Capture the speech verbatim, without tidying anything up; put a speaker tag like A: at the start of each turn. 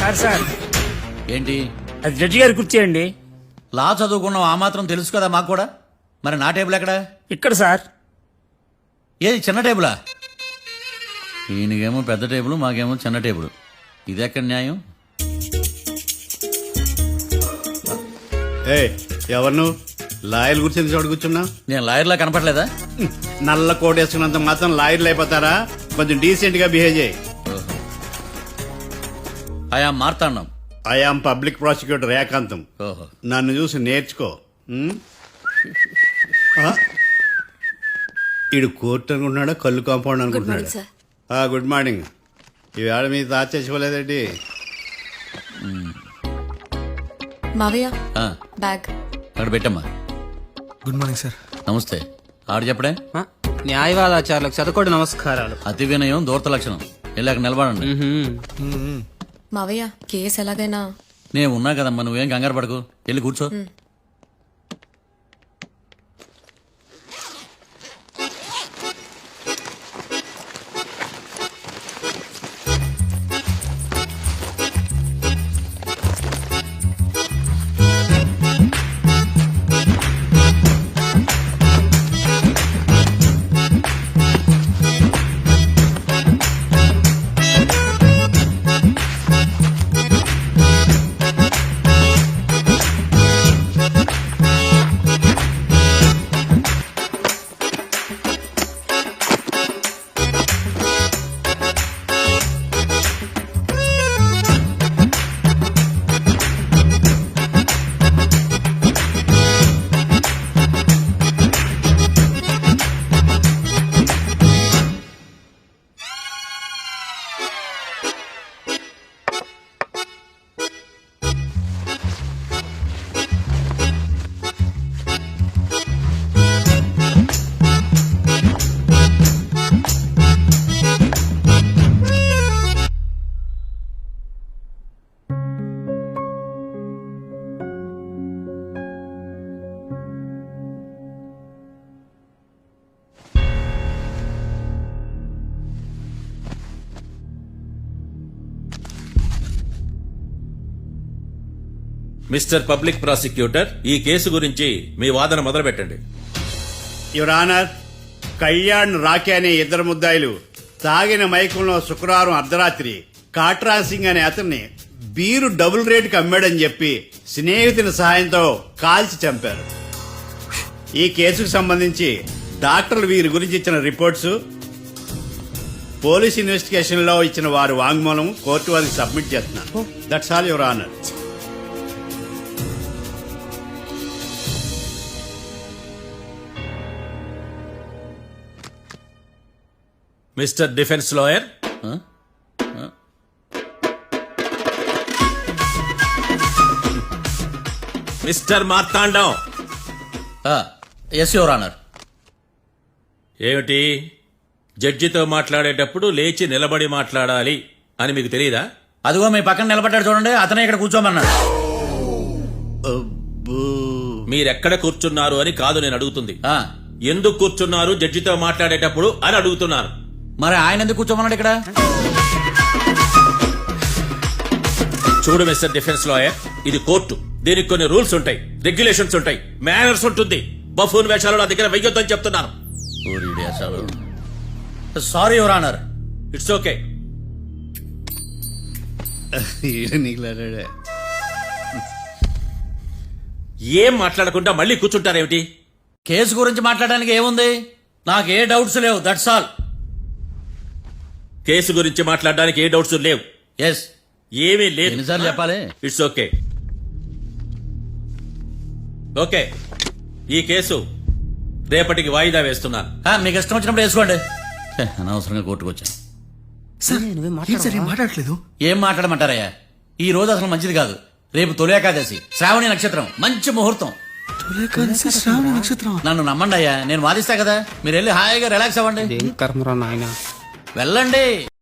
A: Sir sir
B: ఏంటి?
A: అది judge గారి కుర్చీ అండి.
B: లా చదువుకున్నాం, ఆ మాత్రం తెలుసు కదా మాకు కూడా. మరి నా టేబుల్ ఎక్కడ?
A: ఇక్కడ సార్.
B: ఏది చిన్న టేబులా? ఈయనకేమో పెద్ద టేబుల్, మాకేమో చిన్న టేబుల్. ఇది ఎక్కడ న్యాయం?
C: ఏ ఎవరు నువ్వు? లాయర్ కూర్చొని చోటు కూర్చున్నా?
B: నేను లాయర్లా కనపడలేదా?
C: నల్ల కోట్ వేసుకున్నంత మాత్రం లాయర్లు అయిపోతారా? కొంచెం డీసెంట్ గా బిహేవ్ చేయి.
B: ఆయా మార్తాండం.
C: ఐఆమ్ పబ్లిక్ ప్రాసిక్యూటర్ ఏకాంతం.
B: ఓహో.
C: నన్ను చూసి నేర్చుకో. ఉమ్? ఆ? ఈడు కోర్టు అనుకుంటున్నాడా, కళ్ళు కాంపౌండ్ అనుకుంటున్నాడా? ఆ, గుడ్ మార్నింగ్. ఈవేళ మీ తాత చేసుకోలేదండి.
D: మావయ్య
B: ఆ,
D: బ్యాగ్.
B: అక్కడ పెట్టమ్మా.
E: Good morning sir.
B: నమస్తే. ఆడు చెప్పడే.
F: న్యాయవాదాచారులకు చదువుకోండి నమస్కారాలు.
B: అతి వినయం దూరత లక్షణం. ఇలాగ నిలబడండి.
D: మావయ్య కేసు ఎలాగైనా.
B: నేను ఉన్నా కదమ్మా, నువ్వేం కంగారు పడకు. వెళ్ళి కూర్చో.
G: మిస్టర్ పబ్లిక్ ప్రాసిక్యూటర్, ఈ కేసు గురించి మీ వాదన మొదలు పెట్టండి.
C: యువర్ ఆనర్, కళ్యాణ్ రాకే అనే ఇద్దరు ముద్దాయిలు తాగిన మైకంలో శుక్రవారం అర్ధరాత్రి కాట్రా సింగ్ అనే అతన్ని బీరు డబుల్ రేటుకి అమ్మాడని చెప్పి స్నేహితుని సహాయంతో కాల్చి చంపారు. ఈ కేసుకు సంబంధించి డాక్టర్లు వీరి గురించి ఇచ్చిన రిపోర్ట్స్, పోలీస్ ఇన్వెస్టిగేషన్ లో ఇచ్చిన వారి వాంగ్మూలం కోర్టు వారికి సబ్మిట్ చేస్తున్నారు. That's all your honour.
G: Mister defence lawyer, mister Marthandam.
B: Yes your honour.
G: ఏమిటి, జడ్జితో మాట్లాడేటప్పుడు లేచి నిలబడి మాట్లాడాలి అని మీకు తెలియదా?
B: అదిగో మీ పక్కన నిలబడ్డాడు చూడండి, అతనే ఇక్కడ కూర్చోమన్నాడు.
G: మీరెక్కడ కూర్చున్నారు అని కాదు నేను అడుగుతుంది.
B: ఆ,
G: ఎందుకు కూర్చున్నారు జడ్జితో మాట్లాడేటప్పుడు అని అడుగుతున్నారు.
B: మరి ఆయన ఎందుకు కూర్చోమన్నాడు ఇక్కడ?
G: చూడు మిస్టర్ డిఫెన్స్ లాయర్, ఇది కోర్టు. దీనికి కొన్ని రూల్స్ ఉంటాయి, రెగ్యులేషన్స్ ఉంటాయి, మేనర్స్ ఉంటుంది. బఫూన్ వేషాలు నా దగ్గర వెయ్యొద్దని చెప్తున్నాను.
B: Sorry your honour.
G: It's okay. ఏం మాట్లాడకుండా మళ్ళీ కూర్చుంటారేమిటి?
B: కేసు గురించి మాట్లాడడానికి ఏముంది? నాకు ఏ డౌట్స్ లేవు, దట్స్ ఆల్.
G: కేసు గురించి మాట్లాడడానికి ఏ డౌట్స్ లేవు?
B: ఎస్.
G: ఏమీ లేదు.
B: ఎన్నిసార్లు చెప్పాలి?
G: It's okay. ఓకే, ఈ కేసు రేపటికి వాయిదా వేస్తున్నాను.
B: ఆ, మీకు ఇష్టం వచ్చినప్పుడు వేసుకోండి. ఛే, అనవసరంగా కోర్టుకు వచ్చాను.
E: మాట్లాడట్లేదు.
B: ఏం మాట్లాడమంటారయ్యా? ఈ రోజు అసలు మంచిది కాదు. రేపు తొలి ఏకాదశి, శ్రావణి నక్షత్రం, మంచి ముహూర్తం. నన్ను నమ్మండి అయ్యా, నేను వాదిస్తా కదా. మీరు వెళ్ళి హాయిగా రిలాక్స్ అవ్వండి.
F: కర్మరా నాయనా.
B: వెళ్ళండి.